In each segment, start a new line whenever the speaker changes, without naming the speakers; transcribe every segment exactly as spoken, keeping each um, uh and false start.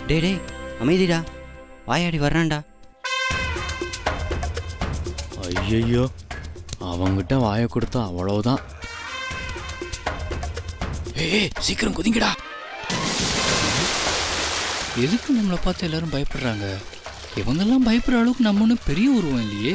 டே டே அமைதிடா, வாயாடி வர்றான்டா.
ஐயையோ, அவங்கிட்ட வாயை கொடுத்தா அவ்வளவுதான். ஏய் சீக்கிரம் குதிங்கடா. எதுக்கு நம்மளை பார்த்து எல்லாரும் பயப்படுறாங்க? இவங்கெல்லாம் பயப்படுற அளவுக்கு நம்ம ஒன்றும் பெரிய உருவம் இல்லையே.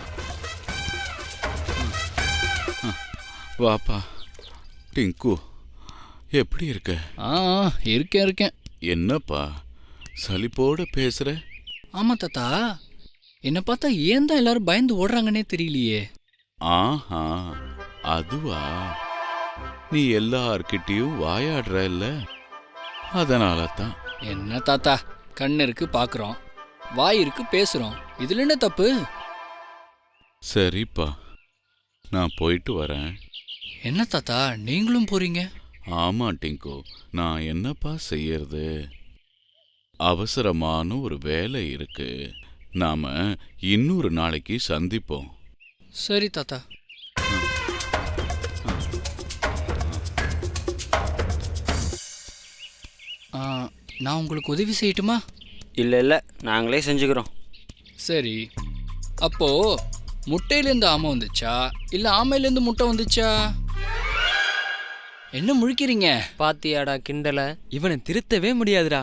வாப்பா டிங்கு, எப்படி இருக்க?
ஆ இருக்கேன் இருக்கேன்.
என்னப்பா சலிப்போட பேசுற?
ஆமா தாத்தா, என்னை பார்த்தா ஏன் தான் எல்லாரும் பயந்து ஓடுறாங்கன்னே தெரியலையே.
ஆஹா, அதுவா, நீ எல்லார்கிட்டயும் வாயாடுற இல்ல, அதனால தான்.
என்ன தாத்தா, கண்ணு இருக்கு பாக்குறோம், வாய் இருக்கு பேசுறோம், இதுல என்ன தப்பு?
சரிப்பா, நான் போயிட்டு வரேன்.
என்ன தாத்தா நீங்களும் போறீங்க?
ஆமா டிங்கு, நான் என்னப்பா செய்யறது, அவசரமான ஒரு வேலை இருக்கு. நாம இன்னொரு நாளைக்கு சந்திப்போம்.
சரி தாத்தா. நான் உங்களுக்கு உதவி செய்யட்டுமா?
இல்லை இல்லை, நாங்களே செஞ்சுக்கிறோம்.
சரி, அப்போ முட்டையிலேருந்து ஆமை வந்துச்சா இல்லை ஆமையிலேருந்து முட்டை வந்துச்சா? என்ன முழிக்கிறீங்க?
பாத்தியாடா கிண்டல, இவனை திருத்தவே முடியாதுடா.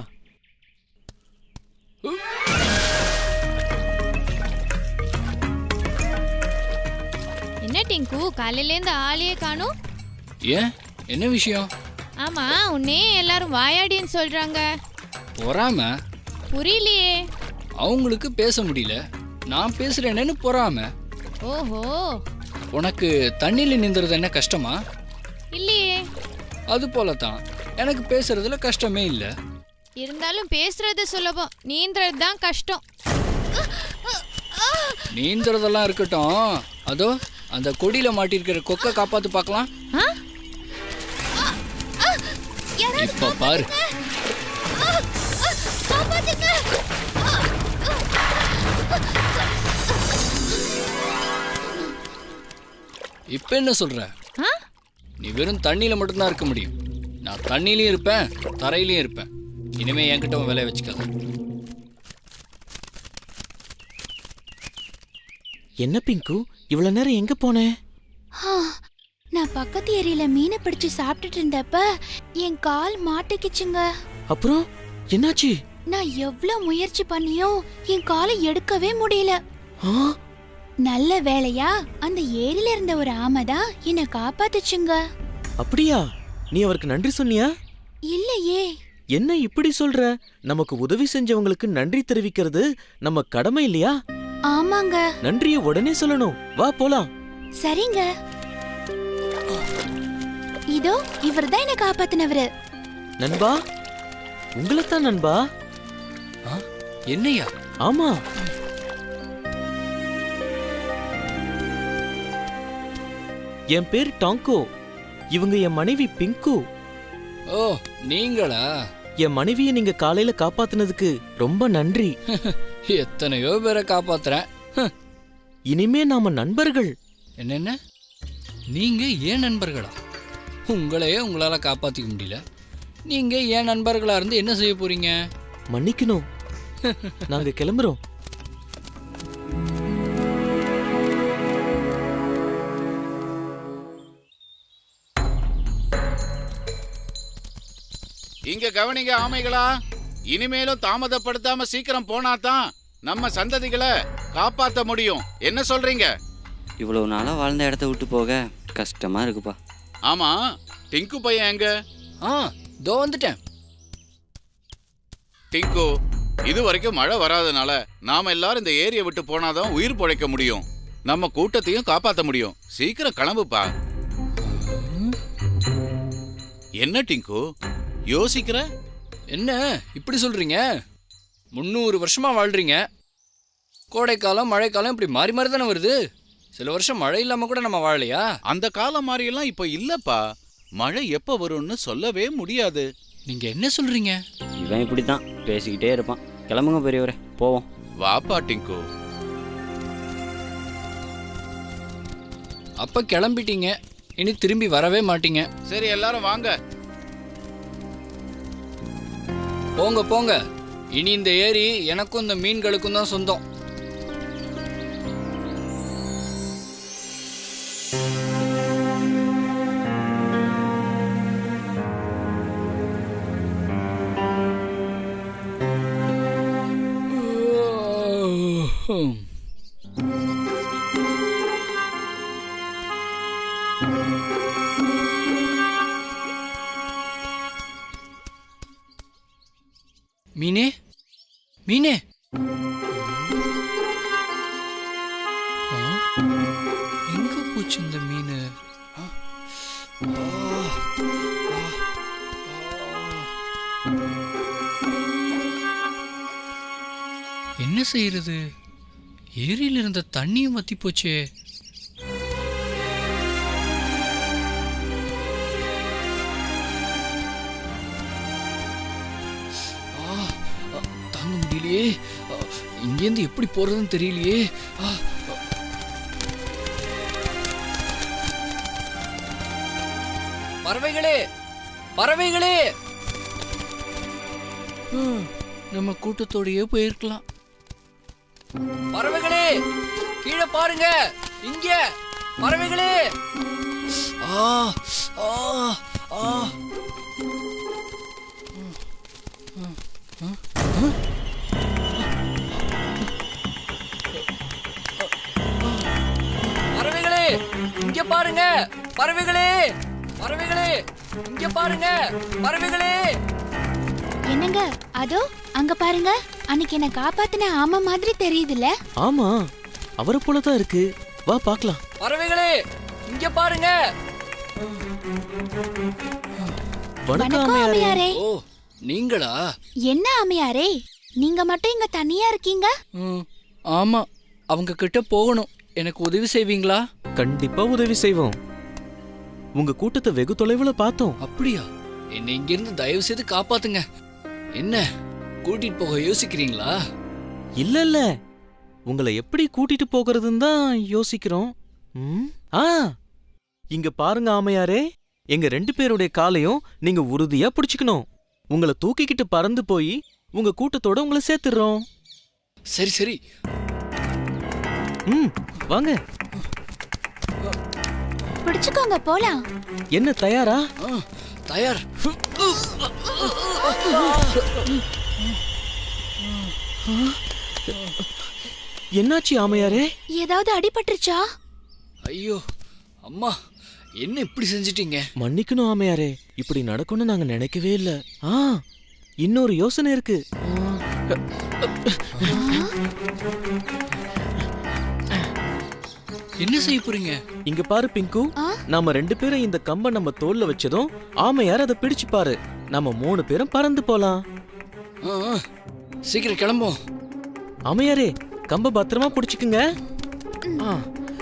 என்ன டிங்கு, காலையிலேருந்து ஆளையே காணும்?
ஏன், என்ன விஷயம்?
ஆமா, உன்னே எல்லாரும் வாயாடின்னு சொல்றாங்க.
பொறாம?
புரியலையே.
அவங்களுக்கு பேச முடியல, நான் பேசுறேன்னு பொறாம.
ஓஹோ.
உனக்கு தண்ணியில நீந்துறது என்ன கஷ்டமா?
இல்லையே.
அது போலதான் எனக்கு பேசுறதுல கஷ்டமே இல்ல.
இருந்தாலும் பேசுறது சுலபம், நீந்துறது தான் கஷ்டம்.
நீந்துறதெல்லாம் இருக்கட்டும், அதோ அந்த கொடியில மாட்டிருக்கிற கொக்கை காப்பாத்து பார்க்கலாம். இப்ப பாரு. இப்ப என்ன சொல்ற? நீ வெறும் தண்ணியில மட்டும்தான் இருக்க முடியும். நான் தண்ணியிலயும் இருப்பேன், தரையிலயும் இருப்பேன். இனிமே என்கிட்ட வேலையை வச்சுக்காத.
என்ன பிங்கு, இவ்வளவு நேரம் எங்க போனேன்?
நான் பக்கத்து ஏரியில மீனை பிடிச்சு சாப்பிட்டுட்டு இருந்தப்ப என் கால் மாட்டிக்கிச்சுங்க.
அப்புறம் என்னாச்சு?
நான் எவ்வளவு முயற்சி பண்ணியும் என் காலை எடுக்கவே முடியல. நல்ல வேளையா அந்த ஏரியில இருந்த ஒரு ஆமை தான் என்னை காப்பாத்துச்சுங்க.
அப்படியா? நீ அவருக்கு நன்றி சொன்னியா?
இல்லையே.
என்ன இப்படி சொல்ற? நமக்கு உதவி செஞ்சவங்களுக்கு நன்றி தெரிவிக்கிறது நம்ம கடமை இல்லையா?
ஆமாங்க.
நன்றிய உடனே சொல்லணும். வா போலாம்.
சரிங்க. இதோ இவர்தான் என்ன காப்பாத்தினவரு.
நண்பா, உங்களைத்தான் நண்பா.
என்னையா?
ஆமா, என் பேர் டாங்கோ. இவங்க என் மனைவி பிங்கு.
ஓ, நீங்களா?
என் மனைவியை நீங்க காலையில காப்பாத்துனதுக்கு ரொம்ப நன்றி.
எத்தனையோ பேரை காப்பாத்துறேன்.
இனிமே நாம நண்பர்கள்.
என்னென்ன, நீங்க ஏன் நண்பர்களா? உங்களையே உங்களால காப்பாத்திக்க முடியல, நீங்க ஏன் நண்பர்களா இருந்து என்ன செய்ய போறீங்க?
மன்னிக்கணும், நாங்க கிளம்புறோம்.
இங்க கவனிங்க ஆமைகளா, இனிமேலும் தாமதப்படுத்தாம சீக்கிரம் போனாதான் நம்ம சந்ததிகளை காப்பாத்த முடியும். என்ன சொல்றீங்க?
இவ்வளவு நாளா வாழ்ந்த இடத்த விட்டு போக கஷ்டமா இருக்குப்பா.
ஆமா, டிங்கு பையன் எங்க?
ஆ, தோ வந்துட்டேன்.
டிங்கு, இது வரைக்கும் மழை வராதனால நாம எல்லாரும் இந்த ஏரியை விட்டு போனாதான் உயிர் பிழைக்க முடியும், நம்ம கூட்டத்தையும் காப்பாத்த முடியும். சீக்கிரம் கிளம்புப்பா. என்ன டிங்கு யோசிக்கிற?
என்ன இப்படி சொல்றீங்க? முன்னூறு வருஷமா வாழ்றீங்க, கோடைக்காலம் மழைக்காலம் இப்படி மாறி மாறி தானே வருது. சில வருஷம் மழை இல்லாம கூட நம்ம வாழலையா?
அந்த காலம் மாதிரியெல்லாம் இப்ப இல்லப்பா. மழை எப்ப வரும்னு சொல்லவே முடியாது.
நீங்க என்ன சொல்றீங்க?
இவன் இப்படித்தான் பேசிக்கிட்டே இருப்பான். கிளம்புங்க பெரியவரே, போவோம்.
வாப்பா டிங்கு.
அப்ப கிளம்பிட்டீங்க, இனி திரும்பி வரவே மாட்டீங்க.
சரி, எல்லாரும் வாங்க.
போங்க போங்க, இனி இந்த ஏரி எனக்கும் இந்த மீன்களுக்கும் தான் சொந்தம். மீனே மீனே ஆ, எங்க போச்சு இந்த மீன்? ஆ, ஆ, ஆ, ஆ. என்ன செய்யறது? ஏரியில இருந்த தண்ணியும் வத்தி போச்சே. தாங்க முடியலையே. இங்கேருந்து எப்படி போறதுன்னு தெரியலையே. பறவைகளே பறவைகளே, நம்ம கூட்டத்தோடயே போயிருக்கலாம். பறவைகளே கீழே பாருங்க, இங்க பறவைகளே. ஆ ஆ ஆ பறவைகளே இங்க பாருங்க, பறவைகளே பறவைகளே இங்க பாருங்க, பறவைகளே.
என்னங்க அதோ அங்க பாருங்க, அன்னைக்கு என்ன காப்பாத்தின ஆமா மாதிரி தெரியுதுல்ல?
ஆமா, அவரை போலதான் இருக்கு. வா பார்க்கலாம்.
பறவைகளே இங்க பாருங்க.
வணக்கம்
வணக்கம்
அம்மையாரே.
அம்மையாரே.
ஓ நீங்களா?
என்ன அம்மையாரே, நீங்க மட்டும் இங்க தனியா இருக்கீங்க?
ம், ஆமா, அவங்க கிட்ட போகணும். எனக்கு உதவி செய்வீங்களா?
கண்டிப்பா உதவி செய்வோம். உங்க கூட்டத்தை வெகு தொலைவுல பார்த்தோம்.
அப்படியா? என்னை இங்கிருந்து தயவு செய்து காப்பாத்துங்க. என்ன கூட்டிட்டு போக யோசிக்கிறீங்களா?
இல்ல இல்ல, உங்களை எப்படி கூட்டிட்டு போகிறதுன்னு தான் யோசிக்கிறோம். ம்? ஆ, இங்க பாருங்க ஆமையாரே, எங்க ரெண்டு பேருடைய காலையும் நீங்க உறுதியா பிடிச்சுக்கணும். உங்களை தூக்கிக்கிட்டு பறந்து போய் உங்க கூட்டத்தோட உங்களை சேர்த்துடுறோம்.
சரி சரி.
ம், வாங்க.
பிடிச்சுக்கோங்க, போலாம்.
என்ன தயாரா?
ஆ, தயார்.
என்னாச்சு ஆமையாரே?
ஏதாவது அடிபட்டுருச்சா?
ஐயோ அம்மா, என்ன இப்படி செஞ்சிட்டீங்க?
மன்னிக்கணும் ஆமையாரே, இப்படி நடக்கும்னு நாங்க நினைக்கவே இல்ல. ஆ, இன்னொரு யோசனை இருக்கு.
என்ன செய்ய போறீங்க?
இங்க பாரு பிங்கு,
ஆ?
நாம ரெண்டு பேரும் இந்த கம்பை நம்ம தோல்ல வச்சதும் ஆமையார் அதை பிடிச்சு பாரு. நம்ம மூணு பேரும் பறந்து போலாம்.
ஆ, ஆ, சீக்கிரம் கிளம்பும்.
ஆமையாரே, கம்ப பத்திரமா பிடிச்சுக்குங்க. ஆ.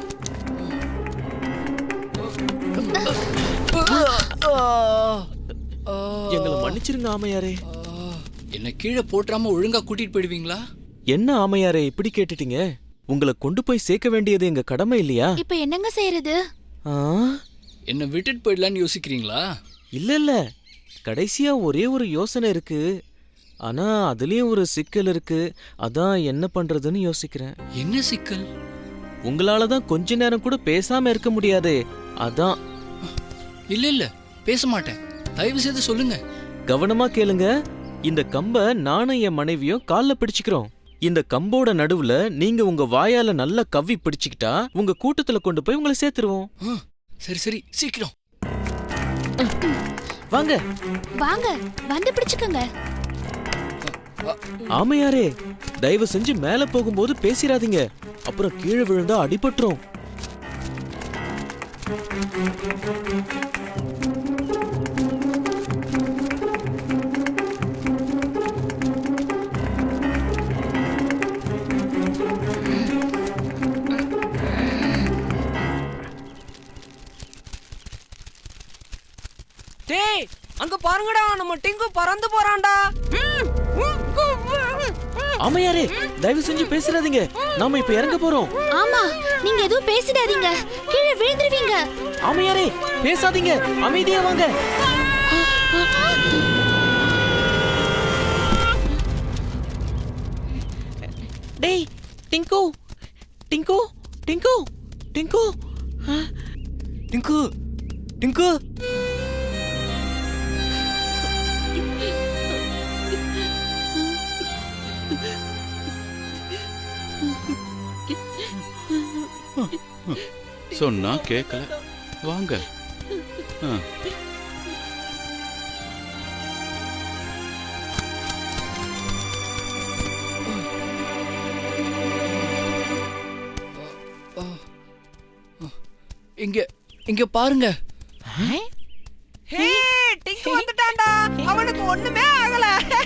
எங்களை மன்னிச்சிருங்க ஆமையாரே.
என்ன கீழே போட்டுறாம ஒழுங்கா கூட்டிட்டு போயிடுவீங்களா?
என்ன ஆமையாரே இப்படி கேட்டுட்டீங்க? உங்களை கொண்டு போய் சேர்க்க வேண்டியது எங்க கடமை இல்லையா?
இப்ப என்னங்க செய்யறது?
ஆ,
என்ன விட்டுட்டு போயிடலான்னு யோசிக்கிறீங்களா?
இல்ல இல்ல, கடைசியா ஒரே ஒரு யோசனை இருக்கு. ஆனா அதுலயும் ஒரு சிக்கல் இருக்கு. அதான் என்ன பண்றதுன்னு யோசிக்கிறேன்.
என்ன சிக்கல்?
உங்களால தான் கொஞ்ச நேரம் கூட பேசாம இருக்க முடியாதே, அதான்.
இல்ல இல்ல, பேச மாட்டேன். தயவு செய்து சொல்லுங்க.
கவனமா கேளுங்க. இந்த கம்ப நானும் என் மனைவியும் கால்ல பிடிச்சுக்கிறோம். இந்த கம்போட நடுவுல நீங்க உங்க வாயால நல்லா கவ்வி பிடிச்சுக்கிட்டா உங்க கூட்டத்துல கொண்டு போய் உங்களை சேர்த்துருவோம்.
ஆ, சரி சரி, சீக்கிரம்
வாங்க.
வாங்க, வந்து பிடிச்சுக்கோங்க.
ஆமையாரே, தயவு செஞ்சு மேல போகும்போது பேசிராதீங்க, அப்புறம் கீழே விழுந்தா அடிபட்டுரும்.
டேய், அங்க பாருங்கடா, நம்ம டிங்கு பறந்து போறான்டா.
ஆமையாரே, தயவு செஞ்சு பேசிராதீங்க, நாம இப்ப இறங்க போறோம்.
ஆமா, நீங்க எதுவும் பேசிடாதீங்க, கீழே விழுந்துருவீங்க.
ஆமையாரே, பேசாதீங்க, அமைதியா வாங்க. டேய் டிங்கு டிங்கு டிங்கு டிங்கு ஆ,
டிங்கு டிங்கு
சொன்னா கேட்கல. வாங்க. ஆ.
இங்க இங்க பாருங்க.
ஹே டிங்கு வந்துட்டான்டா அவனுக்கு ஒண்ணுமே ஆகல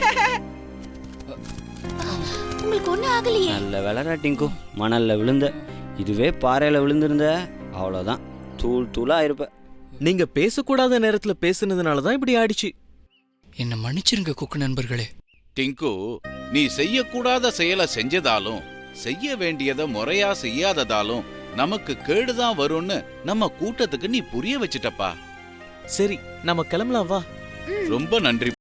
உங்களுக்கு ஒண்ணும் ஆகலையே.
நல்ல வேலைடா டிங்கு, மணல்ல விழுந்த. இதுவே பாறையில் விழுந்திருந்த அவ்வளோதான், தூள் தூளாக இருப்ப.
நீங்க பேசக்கூடாத நேரத்துல பேசுனதுனால தான் இப்படி ஆயிடுச்சு.
என்ன மன்னிச்சிருங்க குக்கு நண்பர்களே.
டிங்கு, நீ செய்யக்கூடாத செயலை செஞ்சதாலும் செய்ய வேண்டியதை முறையா செய்யாததாலும் நமக்கு கேடுதான் வரும்னு நம்ம கூட்டத்துக்கு நீ புரிய வச்சிட்டப்பா.
சரி நம்ம கிளம்பலாம் வா.
ரொம்ப நன்றி.